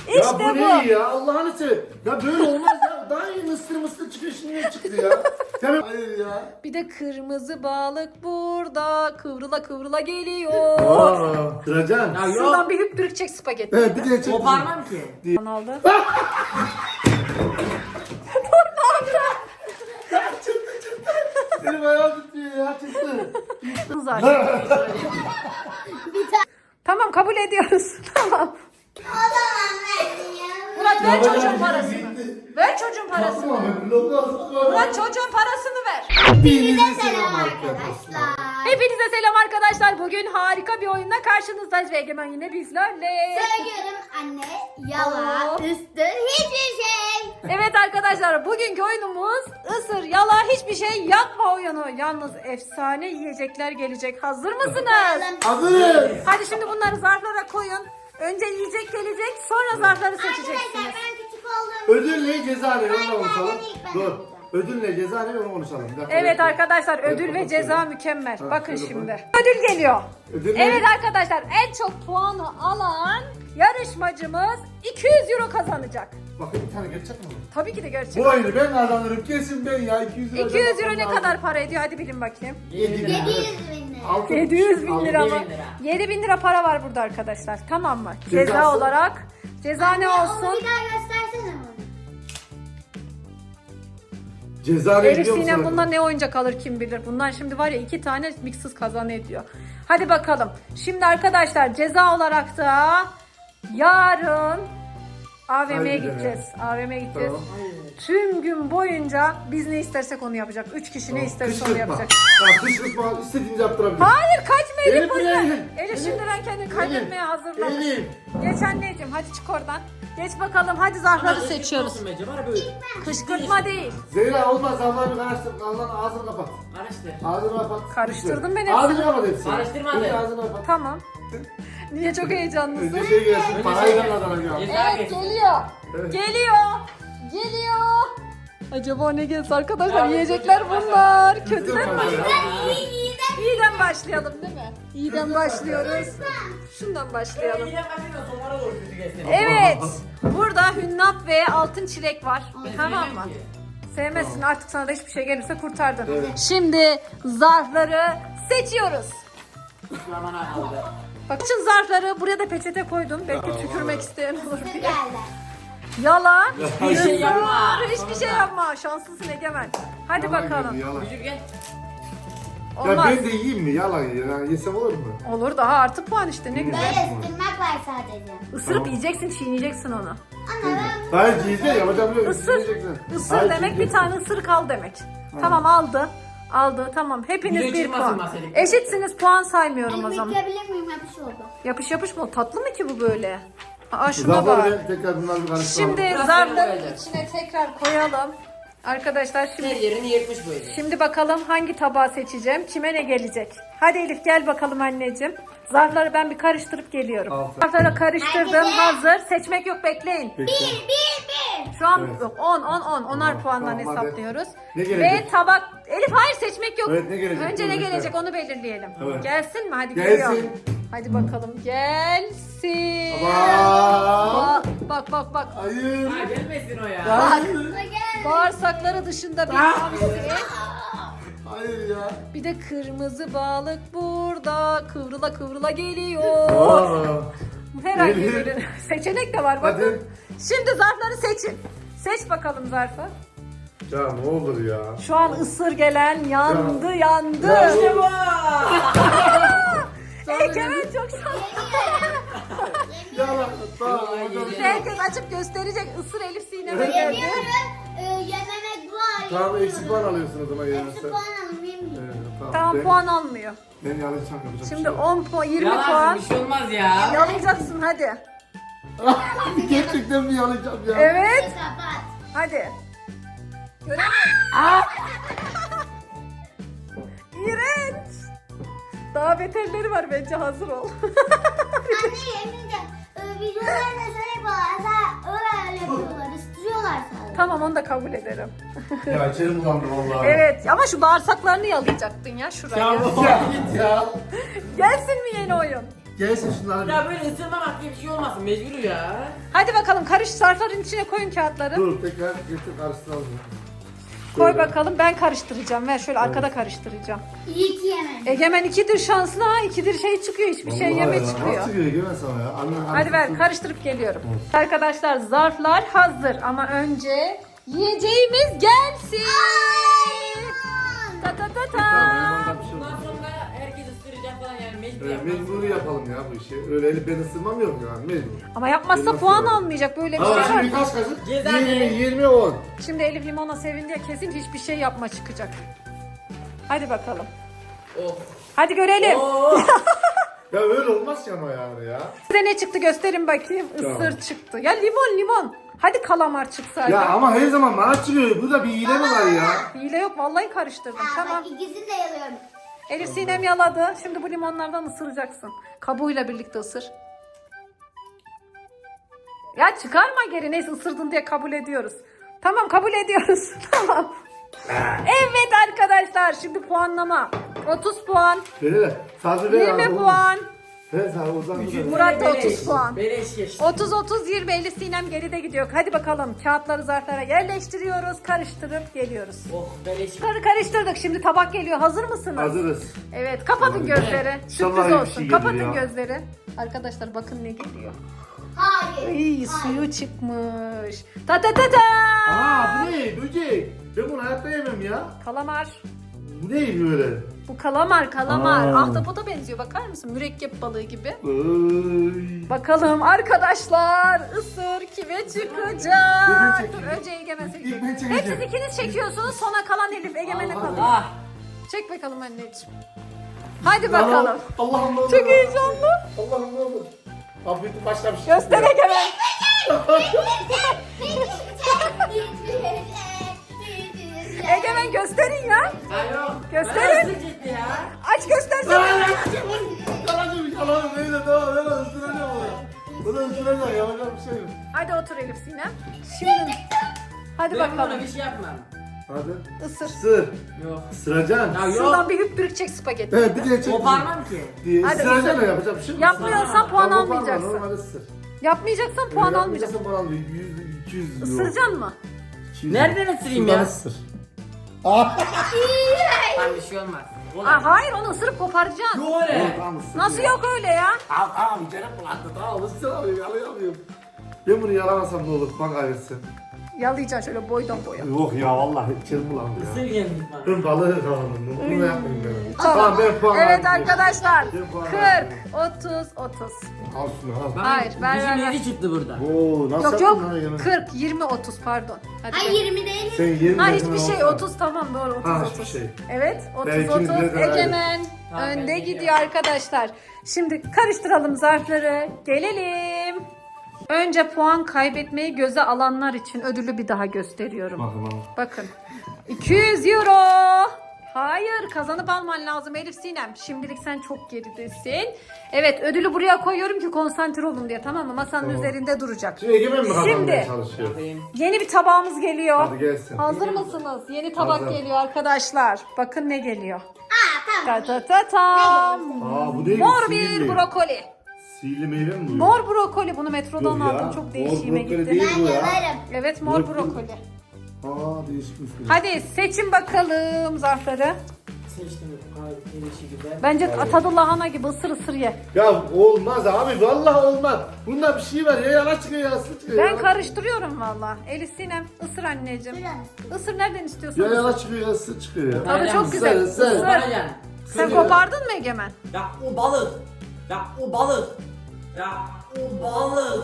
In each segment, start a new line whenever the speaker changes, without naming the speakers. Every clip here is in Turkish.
İşte
ya bu
bu.
ne ya? Allah'ını seversen. Ya böyle olmaz ya. Daha iyi mısır çıkıyor, şimdi ne çıktı ya? Tamam. Hayır ya.
Bir de kırmızı balık burada kıvrıla kıvrıla geliyor.
Aa, Sıracan.
Ya yok.
Şuradan bir hüptürükçek spagetti.
Evet, bir de çek.
Koparmam ki.
Aldı.
Benim ayağım tutuyor ya, çıktı.
Zaten. Tamam kabul ediyoruz. Tamam. Murat ver çocuğun parasını. Ver çocuğun parasını.
Tamam, bloklar.
Murat çocuğun parasını ver.
Hepinize selam arkadaşlar.
Hepinize selam arkadaşlar. Bugün harika bir oyunla karşınızdayız ve Egemen yine bizlerle.
Söylüyorum anne, yalan, üstü hiçbir şey.
Evet arkadaşlar bugünkü oyunumuz ısır yala hiçbir şey yapma oyunu. Yalnız efsane yiyecekler gelecek. Hazır mısınız?
Hazırız.
Hadi şimdi bunları zarflara koyun. Önce yiyecek gelecek sonra zarfları
Arkadaşlar
seçeceksiniz.
ben küçük olduğum
Ödül ne, ceza ne, onu konuşalım.
ilk ben
Dur.
yapacağım.
Ödül ne, ceza ne, onu konuşalım. Bir dakika,
Evet
bekle.
arkadaşlar ödül ve
bakalım
ceza
şöyle.
mükemmel.
Ha,
Bakın
şöyle
şimdi. Ödül geliyor.
Ödül ne?
Evet arkadaşlar en çok puanı alan yarışmacımız 200 euro kazanacak.
Bakın bir tane gerçek mi?
Tabii ki de gerçek.
Bu oyunu ben kazanırım, kesin ben ya. 200 lira.
200 euro ne kadar para ediyor? Hadi bilin bakayım.
700 bin lira.
700 bin lira mı?
7.000 lira.
7 bin lira para var burada arkadaşlar. Tamam mı? Ceza
Cezası?
olarak. Ceza ne
Onu
olsun?
bir daha göstersene bana.
Ceza ne
Elif
biliyor
Sinem
musun?
bundan ne oyuncak alır kim bilir. Bundan şimdi var ya 2 tane mixsiz kazan ediyor. Hadi bakalım. Şimdi arkadaşlar ceza olarak da yarın AVM'ye
Haydi
gideceğiz. AVM'ye gideceğiz.
Tamam.
Tüm gün boyunca biz ne istersek onu yapacak. 3 kişi ne isterse onu
Kışkırtma.
yapacak.
Ya kışkırtma, istediğinizi yaptırabilir.
Hayır kaçma Elif
Elif,
buradan.
Elif,
Elif
Elif.
şimdiden kendini kaybetmeye hazırlamış.
Elif.
Geç anneciğim hadi çık oradan. Geç bakalım hadi zarfları seçiyoruz.
Olsun bence var ya böyle.
Kışkırtma değil.
Zeyra olmaz, Allah'ını karıştır. Allah'ın ağzını kapat.
Karıştır.
Ağzını kapat.
Karıştırdım ben hepsini.
Ağzını kapat hepsini.
Karıştırmadım.
Önce ağzını kapat.
Tamam. Niye çok heyecanlısın?
Önce şey gelsin,
Önce
parayı
şey
ben
gelsin.
kazanacağım.
Ceza
Evet
geçsin.
geliyor.
Evet.
Geliyor. Geliyor. Acaba ne gelsin arkadaşlar?
Ya,
Yiyecekler
kötüden
bunlar.
başlayalım.
Kötüden mi? İyiden başlayalım değil mi? İyiden başlıyoruz. Şundan başlayalım.
İyiden başlayalım, sonlara doğru kötü geçsin.
Evet. Burada hünnap ve altın çilek var.
Ben
Tamam
sevmem
mı?
ki.
Sevmezsin artık sana da hiçbir şey gelirse kurtardın.
Evet.
Şimdi zarfları seçiyoruz.
Aman aldı.
Bakın zarfları buraya da peçete koydum. Belki tükürmek isteyen olur diye.
Geldi.
Yalan.
Hiçbir şey yapma.
Hiçbir şey yapma. Şanslısın Egemen. Hadi bakalım.
Yalan.
Küçük gel.
Ya
Olmaz.
ben de yiyeyim mi? Yalan ya. Yesem olur mu?
Olur daha artı puan işte ne
Böyle
güzel.
ısırmak var sadece.
Isırıp
Tamam.
yiyeceksin, çiğneyeceksin onu.
Ana ben
Hayır, yiyeceğim. Yapacağım yok.
Isır. Isır demek bir tane ısırık al demek. Tamam aldı. Aldı tamam. Hepiniz
Yüze
bir
çıkmasın
puan.
masadaki.
Eşitsiniz puan saymıyorum o
elimi
zaman.
yıkayabilir miyim? Yapış oldu.
Yapış yapış mı? Tatlı mı ki bu böyle? Aa şuna
Zafer
bak.
ben tekrar bunları bir karıştıralım.
Şimdi
Biraz
zarfların
böyle.
içine tekrar koyalım. Arkadaşlar
Her
şimdi
yerini yırtmış bu herif.
şimdi bakalım hangi tabağı seçeceğim. Kime ne gelecek? Hadi Elif gel bakalım anneciğim. Zarfları ben bir karıştırıp geliyorum.
Aferin.
Zarfları karıştırdım.
Herkese.
Hazır. Seçmek yok bekleyin.
Bekle.
Şu an
Evet.
yok 10 10 10 onar
Tamam,
puandan
tamam, hadi.
hesaplıyoruz.
Ne gelecek?
Ve tabak Elif hayır seçmek yok.
Evet, ne gelecek?
Önce ne
Dur,
gelecek
bekle.
onu belirleyelim.
Evet.
Gelsin mi? Hadi
Gelsin.
geliyor. Hadi bakalım gelsin.
Baba.
Bak bak bak.
Hayır.
Ha gelmesin o ya.
Hayır.
Bağırsakları dışında bir hamsi.
Hayır ya.
Bir de kırmızı balık burada kıvrıla kıvrıla geliyor.
Aa.
Herhangi
Elif.
bir seçenek de var bakın.
Hadi.
Şimdi zarfları seçin. Seç bakalım zarfı.
Ya ne olur ya.
Şu an ısır gelen yandı yandı.
Ya,
İşte bu.
Egemen çok şanslı.
Yalan. Tamam. hocam.
Herkes açıp gösterecek. Isır Elif Sinem'e geldi.
Yemiyorum. Yememek var.
Tamam, eksik puan alıyorsun o zaman ya.
Eksi puan alın yemeyeyim.
Evet,
Tamam
Ben-
puan almıyor.
Ben yanlış yapacağım.
Şimdi 10 puan 20
Yalan
puan.
bir şey olmaz ya.
Yalayacaksın hadi.
Gerçekten mi yalayacağım ya?
Evet.
Kapat.
Hadi. Göremiyorum. İğrenç. Daha beterleri var bence hazır ol.
Anne yemeyeceğim. Videolarında şöyle yapıyorlar. Öyle yapıyorlar. Istırıyorlar sadece.
Tamam onu da kabul ederim.
Ya içerim bulandı vallahi.
Evet ama şu bağırsaklarını yalayacaktın ya şuraya.
Ya git ya.
Gelsin mi yeni oyun?
Gelsin şunları.
Ya böyle ısırmamak diye bir şey olmasın mecbur ya.
Hadi bakalım karış zarfların içine koyun kağıtları.
Dur tekrar getir karıştıralım.
Koy
Şöyle.
bakalım ben karıştıracağım. Ver şöyle arkada karıştıracağım.
İyi ki yemedim.
Egemen ikidir şanslı ha. İkidir şey çıkıyor. Hiçbir şey
Vallahi
yeme
ya,
çıkıyor.
nasıl çıkıyor Egemen sana ya?
Hadi ver karıştırıp geliyorum. Arkadaşlar zarflar hazır ama önce yiyeceğimiz gelsin. Ta ta ta ta.
Tamam, bir şey
Bundan
olmaz.
sonra herkes ısıracak falan yani mecbur
Mecburi yapalım ya bu işi. Öyle elip ben ısırmam yok yani mecbur.
Ama yapmazsa
Nasıl
puan
yani?
almayacak böyle bir
Ama
şey var.
şimdi kaç kaşık?
Ceza
20,
ne?
20, 10.
Şimdi Elif limona sevindi kesin hiçbir şey yapma çıkacak. Hadi bakalım.
Oh.
Hadi görelim.
Oh.
Ya öyle olmaz ki ama yani ya.
Size ne çıktı gösterin bakayım.
Tamam.
Isır çıktı. Ya limon. Hadi kalamar çıksaydı.
Ya ama her zaman bana çıkıyor. Burada bir hile mi var ya?
Hile yok vallahi karıştırdım. Tamam.
Bak ikisini de yalıyorum.
Elif Sinem yaladı. Şimdi bu limonlardan ısıracaksın. Kabuğuyla birlikte ısır. Ya çıkarma geri. Neyse ısırdın diye kabul ediyoruz. Tamam kabul ediyoruz. Tamam. Evet arkadaşlar şimdi puanlama. 30 puan.
Ver. Sadece ver
20
abi,
puan.
Ver sadece oradan ver.
Murat da 30
Beleş.
puan.
Beleş geçti.
30-30-20 Elif Sinem geride gidiyor. Hadi bakalım kağıtları zarflara yerleştiriyoruz. Karıştırıp geliyoruz.
Oh beleş.
Karıştırdık. Şimdi tabak geliyor. Hazır mısınız?
Hazırız.
Evet kapatın gözleri.
İnşallah
Sürpriz
iyi bir
olsun.
şey gelir
Kapatın
ya.
gözleri. Arkadaşlar bakın ne geliyor.
Hayır.
Iy, suyu çıkmış. Ta ta ta ta.
Aa bu ne? Böcek. Ben bunu hayatta yemem ya.
Kalamar.
Bu ne böyle?
Bu kalamar.
Aa.
Ahtapota benziyor. Bakar mısın? Mürekkep balığı gibi.
Ay.
Bakalım arkadaşlar ısır kime çıkacak?
Ben çekeyim.
Dur önce Egemen
İlk
çekecek.
ben çekeceğim.
Hep siz ikiniz çekiyorsunuz. Sona kalan Elif Egemen'e
Allah.
kalıyor.
Ah.
Çek bakalım anneciğim. Hadi bakalım.
Allah'ım ne olur.
Çok heyecanlı.
Allah'ım ne olur. Afiyet başlamış.
Göster Egemen. Egemen gösterin ya.
Alo.
Gösterin.
Ben ısıracaktı ya.
Aç göstersene.
Yalan öyle tamam ben ısıracağım onu. Bunu ısıracağım yapacak bir şey yok.
Hadi otur Elif Sinem. Şimdi. Hadi
Ben buna
bakalım.
bir şey yapmam.
Hadi.
Isır.
Isır.
Yok.
Isıracaksın.
Ya yok.
Şuradan bir hüptürükçek spagetti.
Evet bir de çek.
Koparmam ki.
Hadi
Isıracaksın
ısır.
yapacak bir şey yok.
Yapmıyorsan puan
Tamam, koparma,
almayacaksın.
Normal ısır.
Yapmayacaksan puan almayacaksın.
Puan almayacaksın. 100, 200 euro.
Isıracaksın mı?
200
Nereden ısırayım
Şuradan
ya?
ısır. Ah.
Lan bir şey olmaz.
Aa, hayır onu ısırıp koparacaksın.
Yok öyle.
Tamam ısır.
Nasıl yok öyle ya?
Tamam canım bulandı tamam ısır alayım yalayamıyorum. Ben bunu yalamasam ne olur puan kaybetsin.
Yalayacaksın şöyle boydan boya.
Yok ya vallahi içerim bulandı ya.
Isır yemin bana.
Ben balığı kavanozdum. Bunu yapmayayım ben. Tamam ben puan
Evet
verdim.
arkadaşlar.
Ben puan
40,
verdim.
30, 30.
Al şunu al.
Bak,
Hayır, ver,
bizim
ver, ver.
yedi çıktı burada.
Oo nasıl
Yok
yaptın
yok.
lan Egemen?
40, 20, 30 pardon. Hadi
Ay
be.
20 değil.
Sen 20
Ha
dedin,
hiçbir şey
olsa.
30 tamam doğru 30
Ha,
30.
hiçbir şey.
Evet 30
Ben ikimiz
30
birden
Egemen
Tamam, ben
önde
de
gidiyor
geliyorum.
arkadaşlar. Şimdi karıştıralım zarfları. Gelelim. Önce puan kaybetmeyi göze alanlar için ödülü bir daha gösteriyorum.
Bakın bakın.
Bakın. 200 euro. Hayır kazanıp alman lazım Elif Sinem. Şimdilik sen çok geridesin. Evet ödülü buraya koyuyorum ki konsantre olun diye tamam mı? Masanın
Tamam.
üzerinde duracak.
Şimdi Egemen mi kazanmaya
Şimdi.
çalışıyor?
Bakayım.
Yeni bir tabağımız geliyor.
Hadi gelsin.
Hazır mısınız? Yeni tabak
Hazır.
geliyor arkadaşlar. Bakın ne geliyor.
Aa tamam.
Ta ta ta tam.
Aa bu değil
Mor
sihirli.
bir brokoli.
Sihirli meyve mi bu?
Mor brokoli bunu metrodan
Yok ya,
aldım. Çok
mor
değişime
brokoli
gitti.
değil.
Ben
bu ya.
yalarım.
Evet mor
Brokoli.
brokoli.
Aa değişikmiş bu.
Hadi seçin bakalım zarfları.
Seçtim bu kadar gelişi güzel.
Bence tadı lahana gibi ısır ısır ye.
Ya olmaz abi vallahi olmaz. Bunda bir şey var ya yana çıkıyor ya sı çıkıyor.
Ben
ya.
karıştırıyorum valla. Elif Sinem ısır anneciğim. Isır nereden istiyorsan.
Ya
ısır.
yana çıkıyor ya sı çıkıyor ya.
Tadı çok
Isır,
güzel.
ısır.
Isır.
Koparacaksın.
Sen kopardın mı Egemen?
Ya o balık. Ya o balık. Ya o balık.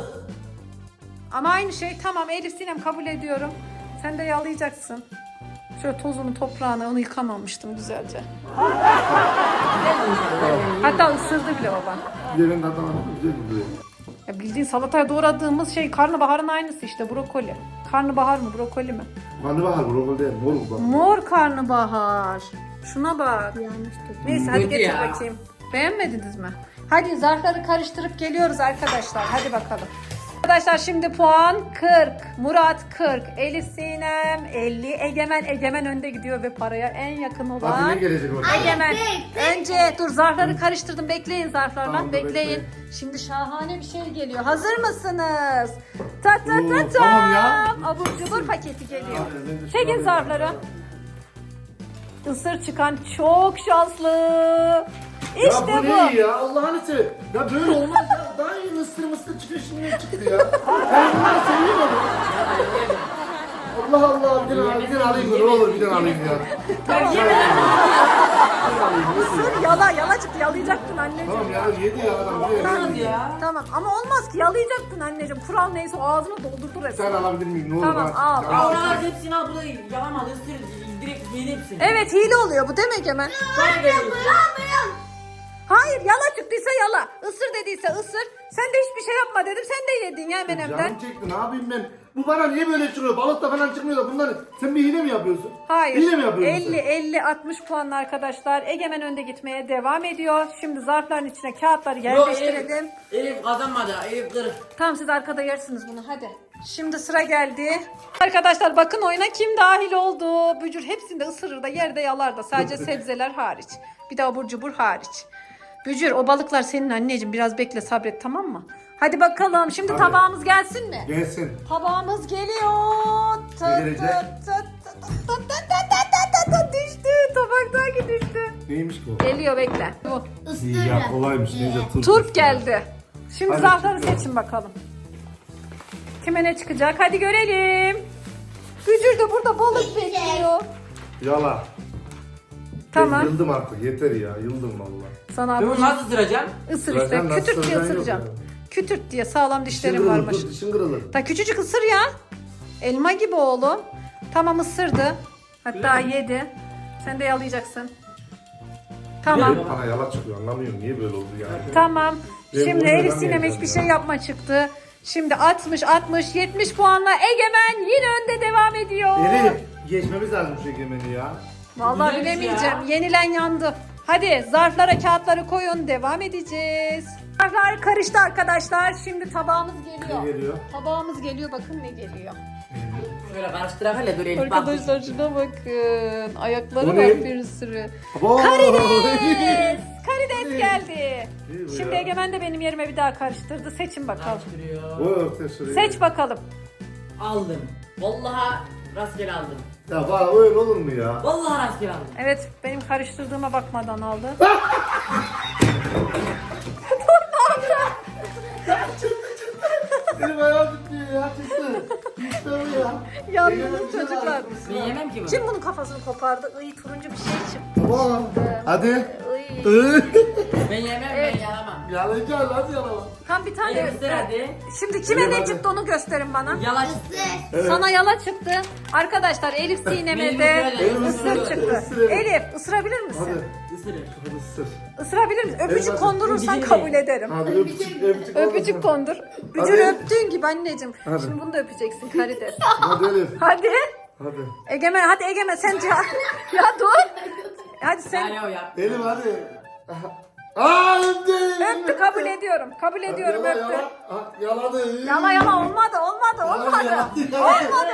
Ama aynı şey tamam Elif Sinem kabul ediyorum. Sen de yalayacaksın. Şöyle tozunu toprağına onu yıkamamıştım güzelce. Hatta ısırdı bile baba.
Yerin tadına güzel gidiyor.
Ya bildiğin salataya doğradığımız şey karnabaharın aynısı işte brokoli. Karnabahar mı brokoli mi?
Karnabahar brokoli değil mor bu bak.
Mor karnabahar. Şuna bak. Neyse hadi
Kötü
getir
ya.
bakayım. Beğenmediniz mi? Hadi zarfları karıştırıp geliyoruz arkadaşlar. Hadi bakalım. Arkadaşlar şimdi puan 40. Murat 40. Elif Sinem 50. Egemen önde gidiyor ve paraya en yakın
Hadi ne
olan
gelecek bakalım.
Egemen. Önce dur zarfları karıştırdım. Bekleyin zarflarla.
Tamam, dur,
Bekleyin.
bekleyin.
Şimdi şahane bir şey geliyor. Hazır mısınız? Ta ta ta
Oo,
ta.
tamam ya.
Abur cubur paketi geliyor.
Hadi, ben de şunu
Çekin
alayım.
zarfları. Isır çıkan çok şanslı. İşte
ya bu
bu.
ne ya Allah'ını seversen. Ya böyle olmaz ya. Daha iyi mısır çıkıyor şimdi ne çıktı ya. Ben bunları seviyorum. Allah Allah bir tane alayım ne olur bir tane alayım ya.
Tamam.
Bir tane alayım,
Isır yala çıktı. Yalayacaktın anneciğim.
Tamam ya yedi ya adam.
Olmaz ya.
Tamam ama olmaz ki yalayacaktın anneciğim. Kural neyse o ağzını doldurdu
Bir
resmen.
tane alabilir miyim ne olur
Tamam,
bana.
al,
Ya,
al.
Oralar hepsini al, bu da yalamadı, ısır, direkt yedi hepsini.
Evet hile oluyor bu değil mi Egemen?
Sana geliyor.
Hayır yala çıktıysa yala. Isır dediyse ısır. Sen de hiçbir şey yapma dedim. Sen de yedin ya menemden.
Canım çekti ne yapayım ben. Bu bana niye böyle çıkıyor? Balıkta falan çıkmıyor da bunları. Sen bir hile mi yapıyorsun?
Hayır.
Hile mi yapıyorsun
50-60 puanlı arkadaşlar. Egemen önde gitmeye devam ediyor. Şimdi zarfların içine kağıtları
Yok,
yerleştirelim.
Elif kazanmadı, Elif kırık.
Tamam siz arkada yersiniz bunu hadi. Şimdi sıra geldi. Arkadaşlar bakın oyuna kim dahil oldu. Bücür hepsini de ısırır da yerde yalar da. Sadece sebzeler hariç. Bir de abur cubur hariç. Bücür o balıklar senin anneciğim. Biraz bekle sabret tamam mı? Hadi bakalım. Şimdi
Hadi.
tabağımız gelsin mi?
Gelsin.
Tabağımız geliyor.
Ne gelecek?
Düştü. Tabaktaki düştü.
Neymiş bu?
Geliyor bekle. Bu.
İyi ya kolaymış. Neyse turp.
Turp geldi. Şimdi
Hadi
zarfları
çıkıyor.
seçin bakalım. Kime ne çıkacak? Hadi görelim. Bücür de burada balık bekliyor.
Yala.
Tamam.
Ben yıldım artık yeter ya. Yıldım valla.
Sana
Ben bunu nasıl ısıracağım?
ısır işte.
Sıracan nasıl
Kütürt diye
sıracan yok
ısıracağım.
yani.
Kütürt diye sağlam
Dişin
dişlerim
kırılır.
varmış.
Dur dişin kırılır.
Da küçücük ısır ya. Elma gibi oğlum. Tamam ısırdı. Hatta yedi. Sen de yalayacaksın. Tamam.
Hep bana yala çıkıyor anlamıyorum. Niye böyle oldu ya?
Tamam.
Ben
Şimdi
bunu
Elif
neden
Sinem
yiyeceğim
hiçbir
ya?
şey yapma çıktı. Şimdi 70 puanla Egemen yine önde devam ediyor.
Elif geçmemiz lazım şu egemeni ya.
Vallahi
Güzelmiş
bilemeyeceğim.
ya.
Yenilen yandı. Hadi zarflara kağıtları koyun. Devam edeceğiz. Zarflar karıştı arkadaşlar. Şimdi tabağımız geliyor.
Ne geliyor?
Tabağımız geliyor. Bakın ne geliyor.
Şöyle karıştırak hele dur Elif bak.
Arkadaşlar şuna bakın. Ayakları
Bu
var
ne?
bir sürü.
Abo!
Karides. Karides geldi.
İyi bu
Şimdi
ya.
Egemen de benim yerime bir daha karıştırdı. Seçin bakalım.
Karıştırıyor.
O ortaya şuraya.
Seç bakalım.
Aldım. Vallahi rastgele aldım.
Ya bana öyle olur mu ya?
Vallahi rastgele aldım.
Evet benim karıştırdığıma bakmadan aldı.
Benim ayağım tutuyor ya çıktı. İşte bu ya.
Yandınız çocuklar.
Ben yemem ki bunu.
Kim bunun kafasını kopardı? Iy turuncu bir şey çıktı.
Tamam. Hadi.
Iy.
Ben yemem,
Evet.
ben yalamam.
Yalayacağız hadi yalama.
Tam bir tane
Elif ısır hadi.
Şimdi kime
Elif,
ne
hadi.
çıktı onu gösterin bana.
Yala çıktı.
Evet.
Sana yala çıktı. Arkadaşlar Elif Sinem'e
Benim
de
ısıracağım.
ısır çıktı.
Isır.
Elif ısırabilir misin?
Hadi.
Isırır.
Hadi ısır.
Isırabilir misin? Öpücük
hadi.
kondurursan
Öpücük
kabul
değil.
ederim.
Hadi öpücük öpücük.
Öpücük kondur. Bücür
Hadi.
öptüğün gibi anneciğim.
Hadi.
Şimdi bunu da öpeceksin Karides.
Hadi Elif.
Hadi.
Hadi.
Egemen hadi Egemen sen ya dur. Hadi sen
Ya yap.
Elif hadi. Aa öptü.
öptü kabul ediyorum. Kabul ediyorum
Yala,
öptü.
yala. Ha, yaladı.
Yala olmadı.
Yala.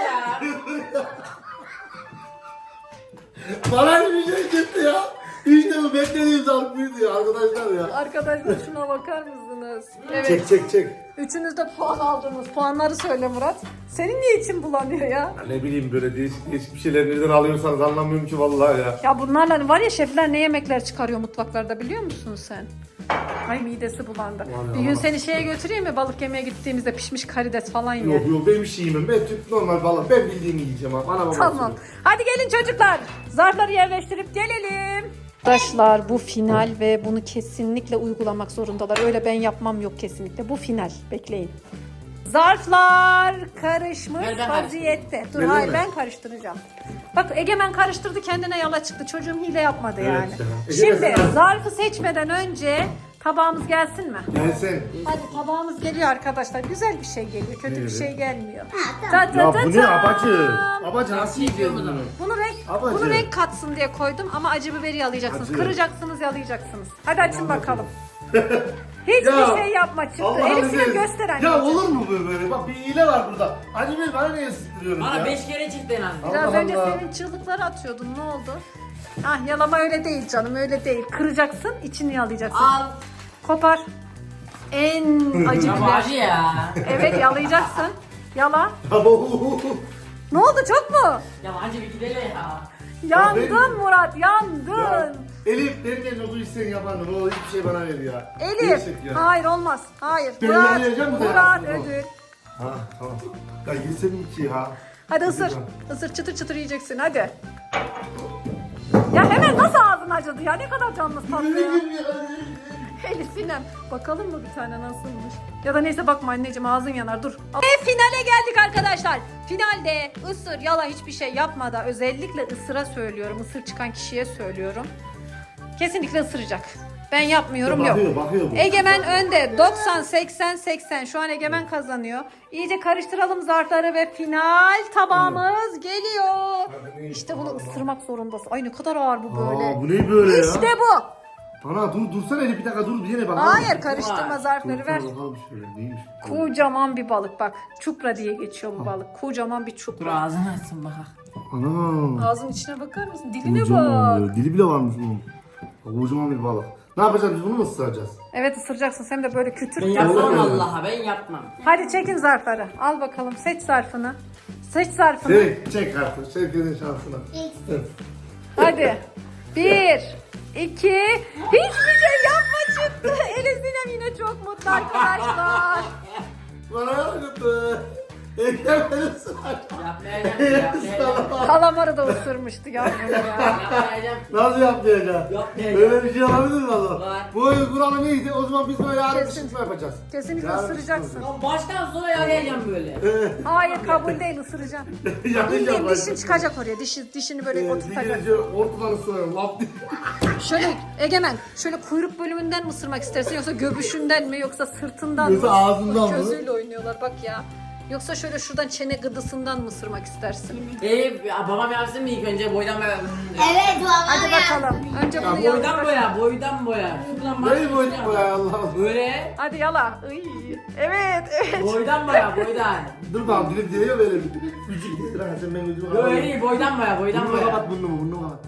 Bana bir şey çıktı ya. İşte bu beklediğim zarf buydu ya arkadaşlar ya.
Arkadaşlar şuna bakar mısınız? Evet.
Çek.
Üçünüz de puan aldınız. Puanları söyle Murat. Senin niye için bulanıyor ya?
Ya ne bileyim böyle değişik bir şeyler nereden alıyorsanız anlamıyorum ki vallahi ya.
Ya bunlarla var ya şefler ne yemekler çıkarıyor mutfaklarda biliyor musun sen? Ay midesi bulandı.
Vallahi
Bir gün
Allah.
seni şeye götüreyim mi balık yemeye gittiğimizde pişmiş karides falan ye.
Yok ben bir şey yemem. Ben Türk normal balık. Ben bildiğimi yiyeceğim abi. Ana babam
Tamam. Hadi gelin çocuklar. Zarfları yerleştirip gelelim. Arkadaşlar bu final ve bunu kesinlikle uygulamak zorundalar. Öyle ben yapmam yok kesinlikle. Bu final. Bekleyin. Zarflar karışmış
Ver, ben
vaziyette. Dur
Öyle
hayır
mi?
ben karıştıracağım. Bak Egemen karıştırdı kendine yala çıktı. Çocuğum hile yapmadı
Evet
yani.
ya.
Şimdi
Egemen,
zarfı seçmeden önce tabağımız gelsin mi?
Gelsin.
Hadi tabağımız geliyor arkadaşlar. Güzel bir şey geliyor. Kötü bir
Evet.
şey gelmiyor.
Ha,
Ta ta
Ya
ta
bu ne
ta.
abacı? Abacı nasıl yiyeceğiz bunu?
Bunu
Abacı.
renk katsın diye koydum ama acı biberi yalayacaksınız.
Acı.
Kıracaksınız, yalayacaksınız. Hadi açın bakalım. Hiçbir şey yapma çıktı.
Allah'ın
Elif Sinem
izniyle.
göster
Ya
anneciğim.
olur mu böyle? Bak bir hile var burada. Annemi bana niye ısıttırıyoruz ya?
Bana 5 kere çıktı en az.
Biraz
Allah
önce
Allah.
senin çığlıkları atıyordun. Ne oldu? Ah yalama öyle değil canım öyle değil. Kıracaksın içini yalayacaksın.
Al.
Kopar. En acı
Ya bu
biber.
acı ya.
Evet yalayacaksın. Yala.
Abo.
Ne oldu çok mu?
Ya acı bir gidelim ya.
Yandın Murat yandın.
Ya, Elif benden olduğu için sen yapan ne olur hiçbir şey bana ver ya.
Elif.
Gerçek ya.
Hayır olmaz. Hayır.
Ben
Murat.
yalayacağım mı da
Murat
yalasın o?
ödül.
Ha tamam. Ya yeselim ki ha.
Hadi ısır. Isır çıtır çıtır yiyeceksin hadi. Ya hemen nasıl ağzın acıdı ya? Ne kadar canlı tatlı ya. Elif Sinem. Bakalım mı bir tane nasılmış? Ya da neyse bakma anneciğim ağzın yanar dur. Ve finale geldik arkadaşlar. Finalde ısır yala hiçbir şey yapmadan özellikle ısıra söylüyorum. Isır çıkan kişiye söylüyorum. Kesinlikle ısıracak. Ben yapmıyorum yok.
Bakıyor bu.
Egemen önde 90 80 80 şu an Egemen kazanıyor. İyice karıştıralım zarfları ve final tabağımız geliyor. İşte bunu ısırmak zorundasın. Ay ne kadar ağır bu böyle.
Aa, bu ne böyle ya?
İşte bu.
Ana dursana Elif bir dakika dur bir yere bak.
Hayır karıştırma
Var.
zarfları ver.
Bakalım şöyle neymiş?
Kocaman bir balık bak. Çupra diye geçiyor bu balık. Kocaman bir
Dur
çupra.
ağzını açsın bak.
Ana.
Ağzının içine bakar mısın? Diline
Kocaman
bak.
böyle. Dili bile varmış bunun. Kocaman bir balık. Ne yapacağız biz bunu mu ısıracağız?
Evet ısıracaksın. Sen de böyle kütür.
Ben yapmam
Öyle.
Allah'a ben yapmam.
Hadi çekin zarfları. Al bakalım. Seç zarfını. Seç zarfını.
Çek artık. Çek şansına.
Hadi. 1, 2, hiçbir şey yapma çıktı. Elif Sinem yine çok mutlu arkadaşlar.
Bana yaptı. Ekrem beni ısıracak.
Yapmayacağım.
Kalamarı da ısırmıştı yavrum ya.
Yapmayacağım.
Nasıl yapmayacak?
Yapmayacağım.
Böyle bir şey olabilir mi Allah?
Var.
Bu oyun kuralı neydi? O zaman biz böyle yarın bir
Kesin.
çıkma yapacağız.
Kesinlikle
Yarın
ısıracaksın.
Ya baştan sona yalayacağım böyle.
Hayır kabul değil ısıracaksın. Bildiğin dişin çıkacak oraya. Dişini böyle oturtacak.
Bir ortadan ısırıyorum. Laf diye.
Şöyle Egemen şöyle kuyruk bölümünden mi ısırmak istersin yoksa göbüşünden mi yoksa sırtından
Yoksa
mı?
ağzından mı?
Gözüyle oynuyorlar bak ya. Yoksa şöyle şuradan çene gıdısından mı ısırmak istersin?
Babam yapsın mı ilk önce boydan boya?
Evet baba.
Hadi bakalım. Önce bunu
Boydan
yalnız.
boya, boydan boya. Şuradan bak.
Neyi boyduk bu ya Allah'ım.
Böyle.
Hadi yala. Iy. Evet.
Boydan boya, boydan.
Dur bakalım dilim diye böyle bir ücük getir ha sen benim ücüğümü
Böyle değil, boydan boya, boydan
Burnunu
boya.
kapat burnunu kapat.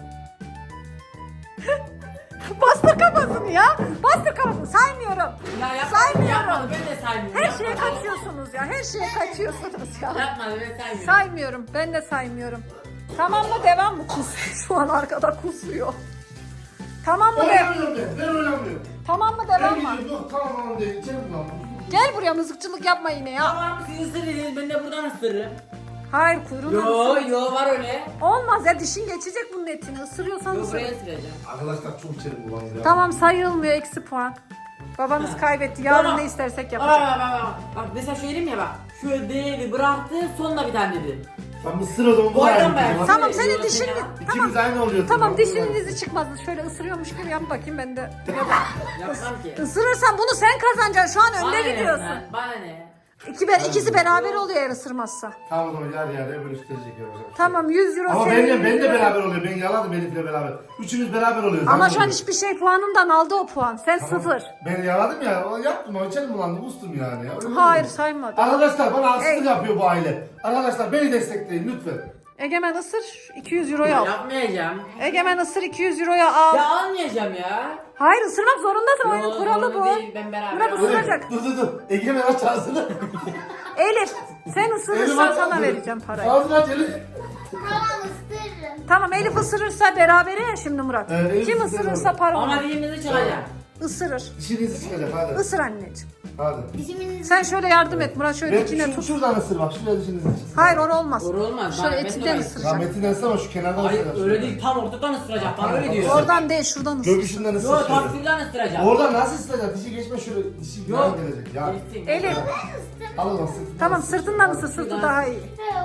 Bastır kafasını ya. Bastır kafasını. Saymıyorum.
Ya yapmadı,
Saymıyorum.
yapmadı, ben de saymıyorum.
Her şeye
Yapmadı.
kaçıyorsunuz ya. Her şeye kaçıyorsunuz ya.
Yapmadı, ben saymıyorum.
Saymıyorum. Ben de saymıyorum. Tamam mı devam mı? Kusuyor. Şu an arkada kusuyor. Tamam mı devam?
Oynamıyorum ben oynamıyorum.
Tamam mı
Ben
devam mı?
gidiyorum yok tamam değil içeri kullanma.
Gel buraya mızıkçılık yapma yine ya.
Tamam, siz ısırırız, ben de buradan ısırırım.
Hayır kuyruğunu
Yo,
ısır.
yo var öyle.
Olmaz ya dişin geçecek bunun etini. Isırıyorsan
Yo,
ısır.
buraya ısıracağım.
Arkadaşlar çok içeri kullanıyor ya.
Tamam sayılmıyor eksi puan. Babamız kaybetti. Yarın
Tamam.
ne istersek
Bak,
yapacak.
bak, bak, bak. Bak mesela şöyle diyeyim ya bak. Şöyle değdi, bıraktı, sonuna bir tane dedi.
Ben mısır o zaman bu
Boydan
aynı.
boya.
Tamam
Yo,
senin
yo,
dişin...
sen yap.
Tamam.
İkimiz aynı oluyor.
Tamam dişinin izi çıkmaz. Şöyle ısırıyormuş gibi yap bakayım ben de.
Yapmam ki.
Isırırsan bunu sen kazanacaksın. Şu an
Bana
önde
ne
gidiyorsun.
lan? Bana ne?
İkisi beraber oluyor eğer ısırmazsa.
Tamam o zaman yarı yarıya bölüştürecek yapacak.
Tamam 100 euro
Ama
senin.
ben de beraber oluyor. Ben yaladım Elif'le beraber. Üçümüz beraber oluyoruz.
Ama
aynı
şu an
oluyor.
hiçbir şey puanından aldı o puan. Sen
Tamam.
sıfır.
Ben yaladım ya. O yaptım. O içerim bulandı. Kustum yani. Ya. Öyle
Hayır
mi?
saymadı.
Arkadaşlar bana haksızlık
Ey.
yapıyor bu aile. Arkadaşlar beni destekleyin lütfen.
Egemen ısır 200 euroyu al.
Yapmayacağım.
Egemen ısır 200 euroya al.
Ya almayacağım ya.
Hayır ısırmak zorundasın.
Yo,
Oyunun kuralı
zorunda
bu.
değil, ben beraber
Murat
alayım.
ısıracak.
Dur. Egemen aç ağzını.
Elif sen
Elif
ısırırsan
aç
sana
ağzını.
vereceğim parayı.
Ağzını aç Elif.
Tamam ısırırım.
Tamam Elif ısırırsa berabere ya şimdi Murat.
Evet, Elif
Kim
ısırır.
ısırırsa para
Ama
ona.
dilimizi çıkacak.
Isırır.
Dişinizi çıkacak hadi.
Isır anneciğim.
Hadi.
Dişimin
Sen şöyle yardım et Murat şöyle dikine tut.
Şuradan ısır bak. Şuraya dişinizi çıksın.
Hayır o olmaz.
Doğru olmaz.
Şöyle
Ben de
etinden
öyle.
ısıracak.
Rahmetinden ısır ama şu kenardan
Hayır
ısır.
öyle değil, tam ortadan ısıracak. Bana öyle diyor.
Oradan değil şuradan ısır.
Göbüşünden ısır.
Yo,
şöyle.
tam şuradan ısıracak.
Oradan nasıl ısıracak? Dişi geçme şöyle. Dişi
Yok.
yan gelecek. Ya.
Geçsin.
Elif
Al o zaman sırtından
tamam
ısır.
sırtından ısır sırtı daha iyi.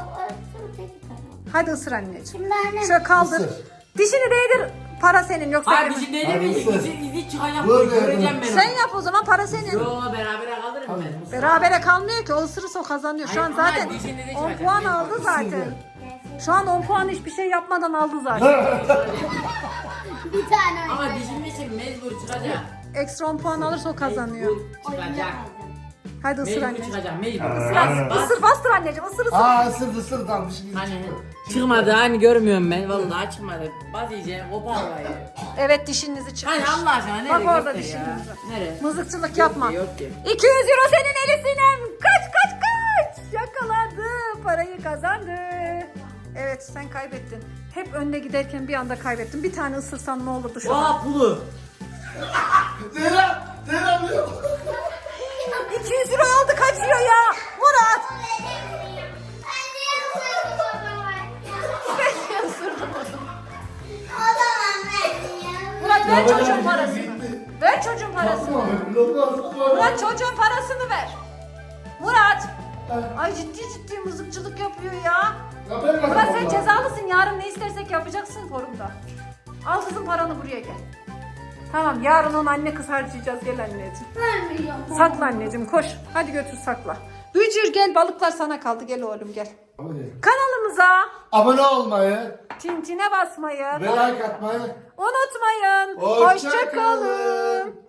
Hadi ısır anneciğim.
Şimdi anne.
Şöyle kaldır.
Isır.
Dişini değdir. Para senin yoksa
Hayır
benim.
dişin değil
Hadi
mi?
ısır.
İzi çıkacak.
Böyle
Göreceğim
yapalım.
ben
Sen
onu.
yap o zaman para senin.
Yo beraber kalırım ben.
Berabere kalmıyor ki o ısırırsa o kazanıyor. Şu an
Hayır,
zaten
ama dişini de
10
çıkacak.
puan aldı zaten. Şu an 10 puan hiçbir şey yapmadan aldı zaten.
Bir tane
Ama
oynayacağım.
dişin için mecbur çıkacak.
Eksi 10 puan alırsa o kazanıyor.
Mecbur çıkacak.
Hadi ısır
Mecbur
anneciğim.
çıkacak. Mecbur.
Isır bastır anneciğim ısır ısır.
Aa ısırdı tamam dişimizi
Hani
çıktı.
çıkmadı hani görmüyorum ben. Vallahi çıkmadı. Baz iyice kopar orayı.
Evet dişinizi çıkmış.
Hani Allah aşkına nereye
Bak orada
göster
dişiniz
ya?
var.
Nereye?
Mızıkçılık yapma.
Yok ki.
200 euro senin Elif Sinem. Kaç kaç kaç. Yakaladı. Parayı kazandı. Evet sen kaybettin. Hep önde giderken bir anda kaybettin. Bir tane ısırsan ne olurdu şu an?
Vaa pulu.
Zeynep diyor.
200 euro aldı kaçıyor ya. Murat.
Ben niye ısırdım o zaman?
Ben ısırdım onu.
O zaman ben ya.
Murat ver
Ya,
çocuğun
ben-
parasını. Ver çocuğun parasını.
Lokma.
Murat çocuğun parasını ver. Murat. Ay ciddi ciddi mızıkçılık yapıyor ya.
Ya ben
Murat sen
kazandım.
cezalısın. Yarın ne istersek yapacaksın forumda. Al kızım paranı buraya gel. Tamam yarın onu anne kız harcayacağız. Gel anneciğim.
Vermiyorum.
Sakla anneciğim koş. Hadi götür sakla. Bücür gel balıklar sana kaldı. Gel oğlum gel.
Hadi.
Kanalımıza
Abone olmayı
tintine basmayı
ve like atmayı
unutmayın.
Hoşça
Hoşça kalın.
kalın.